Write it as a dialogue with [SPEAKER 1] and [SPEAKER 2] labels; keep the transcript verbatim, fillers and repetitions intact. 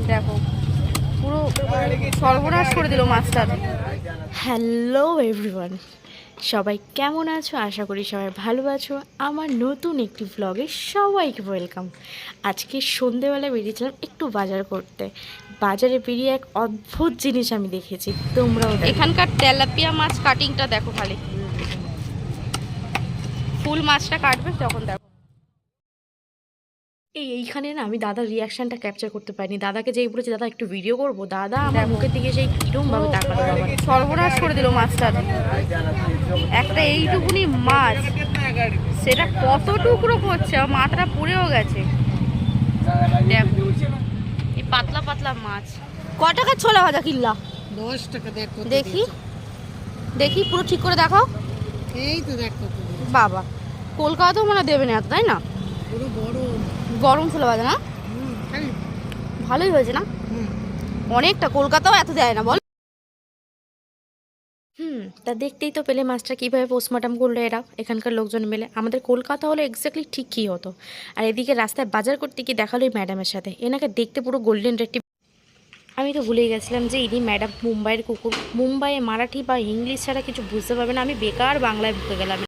[SPEAKER 1] দেখো পুরো সর্বনাশ করে দিল মাছটা।
[SPEAKER 2] হ্যালো এভরিওয়ান, সবাই কেমন আছো? আশা করি সবাই ভালো আছো। আমার নতুন একটি ব্লগে সবাইকে ওয়েলকাম। আজকে সন্ধেবেলা বেরিয়েছিলাম একটু বাজার করতে। বাজারে বেরিয়ে এক অদ্ভুত জিনিস আমি দেখেছি, তোমরাও দেখো।
[SPEAKER 1] এখানকার তেলাপিয়া মাছ কাটিংটা দেখো, খালি ফুল মাছটা কাটবে তখন দেখো।
[SPEAKER 2] এই এইখানে না আমি দাদার রিয়াকশনটা ক্যাপচার করতে পারিনি। দাদাকে যেই বলেছি দাদা একটু ভিডিও করবো, দাদা আমার মুখের দিকে সেই কিরম ভাবে তাকালো বাবা।
[SPEAKER 1] সর্বনাশ করে দিল মাছটা। একটা এইটুকুনি মাছ, সেটা কত টুকরো করছে, আর মাথাটা পুড়েও গেছে। দেখো এই পাতলা পাতলা মাছ। ক টাকা ছোলা ভাজা কিনলা?
[SPEAKER 3] দশ টাকা দেখ কত
[SPEAKER 1] দেখি
[SPEAKER 3] দিয়েছে।
[SPEAKER 1] দেখি পুরো ঠিক করে দেখাও।
[SPEAKER 3] এই তো দেখ কত দিয়েছে।
[SPEAKER 1] বাবা, কলকাতাতেও মনে হয় দেবে না এত, তাই না?
[SPEAKER 3] পুরো বড়।
[SPEAKER 1] গরম ছোলা ভাজা না?
[SPEAKER 3] হুম, খালি।
[SPEAKER 1] ভালোই হয়েছে না?
[SPEAKER 3] হুম।
[SPEAKER 1] অনেকটা, কলকাতাও এত দেয় না বল।
[SPEAKER 2] হুম তা দেখতেই তো পেলে মাছটা কীভাবে পোস্টমর্টম করলো এরা, এখানকার লোকজন মিলে। আমাদের কলকাতা হলে এক্স্যাক্টলি ঠিক কী হতো। আর এদিকে রাস্তায় বাজার করতে গিয়ে দেখালো এই ম্যাডামের সাথে। এনাকে দেখতে পুরো গোল্ডেন রেডটি। আমি তো ভুলেই গেছিলাম যে ইনি ম্যাডাম মুম্বাইয়ের কুকুর। মুম্বাইয়ে মারাঠি বা ইংলিশ ছাড়া কিছু বুঝতে পারবে না। আমি বেকার বাংলায় ঢুকে গেলাম।